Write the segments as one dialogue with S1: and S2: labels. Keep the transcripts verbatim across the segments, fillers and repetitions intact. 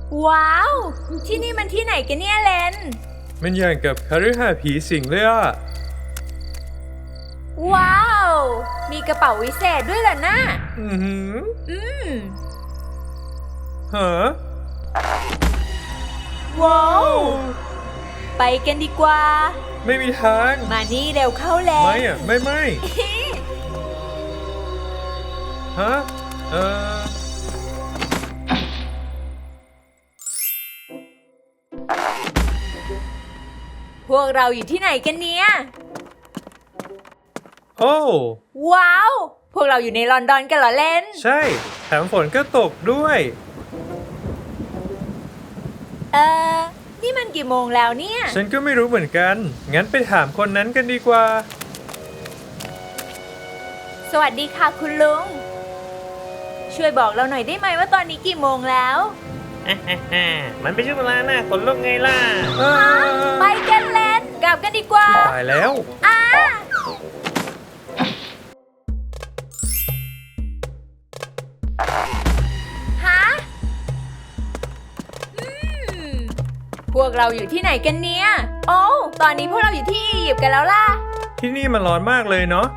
S1: ว้าวที่นี่มันที่ไหนกันเนี่ยเลน
S2: มันอย่างกับคฤหาสน์ผีสิงเลยอ่ะ
S1: ว้าวมีกระเป๋าวิเศษด้วยล่ะนะ
S2: อือหือ
S1: อืม
S2: ฮะ
S1: ว้าวไปกันดีกว่า
S2: ไม่มีทาง
S1: มานี่เร็วเข้าแล้ว
S2: ไม่อ่ะไม่ไม่ ฮะเออ
S1: พวกเราอยู่ที่ไหนกันเนี่ย
S2: โอ้
S1: ว้าวพวกเราอยู่ในลอนดอนกันเหรอเลน
S2: ใช่แถมฝนก็ตกด้วย
S1: เออนี่มันกี่โมงแล้วเนี่ย
S2: ฉันก็ไม่รู้เหมือนกันงั้นไปถามคนนั้นกันดีกว่า
S1: สวัสดีค่ะคุณลุงช่วยบอกเราหน่อยได้ไหมว่าตอนนี้กี่โมงแล้ว
S3: มันไม่ใช่เวลาหน้าขนลุกไงล่ะ
S1: ไปกันเลนกลับกันดีกว่า
S2: ตายแล้ว
S1: อ่าฮะอืมพวกเราอยู่ที่ไหนกันเนี่ยโอ้ตอนนี้พวกเราอยู่ที่อียิปต์กันแล้วล่ะ
S2: ที่นี่มันร้อนมากเลยเนาะ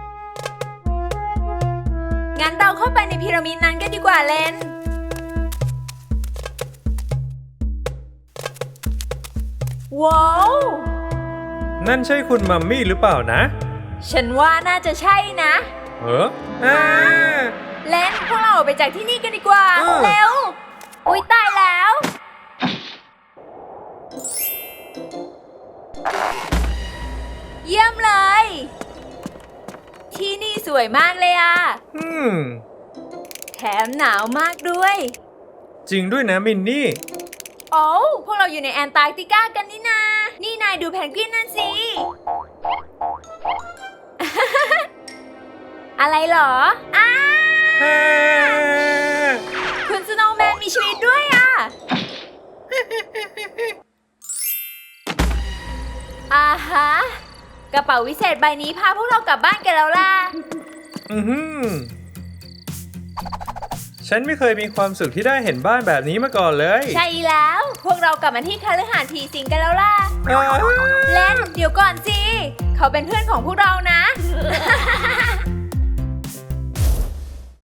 S1: งั้นเราเข้าไปในพีระมิดนั้นกันดีกว่าเลนว้าว
S2: นั่นใช่คุณมัมมี่หรือเปล่านะ
S1: ฉันว่าน่าจะใช่นะ
S2: เอออ่า
S1: เลนพวกเราออกไปจากที่นี่กันดีกว่าเร็วอุ๊ยตายแล้วเยี่ยมเลยที่นี่สวยมากเลยอ่ะ
S2: อืม
S1: แถมหนาวมากด้วย
S2: จริงด้วยนะมินนี่
S1: โอ้พวกเราอยู่ในแอนตาร์กติกากันนี่นานี่นายดูแพนกวินนั่นสิ อะไรเหรออ้าคุณสโนว์แมนมีชีวิตด้วยอ่ะ อ่าฮะกระเป๋าวิเศษใบนี้พาพวกเรากลับบ้านกันแล้วล่ะ
S2: อือหือฉันไม่เคยมีความสุขที่ได้เห็นบ้านแบบนี้มาก่อนเลย
S1: ใช่แล้วพวกเรากลับมาที่คฤหาสน์ผีสิงกันแล้วล่ะเล่นเดี๋ยวก่อนสิเขาเป็นเพื่อนของพวกเรานะ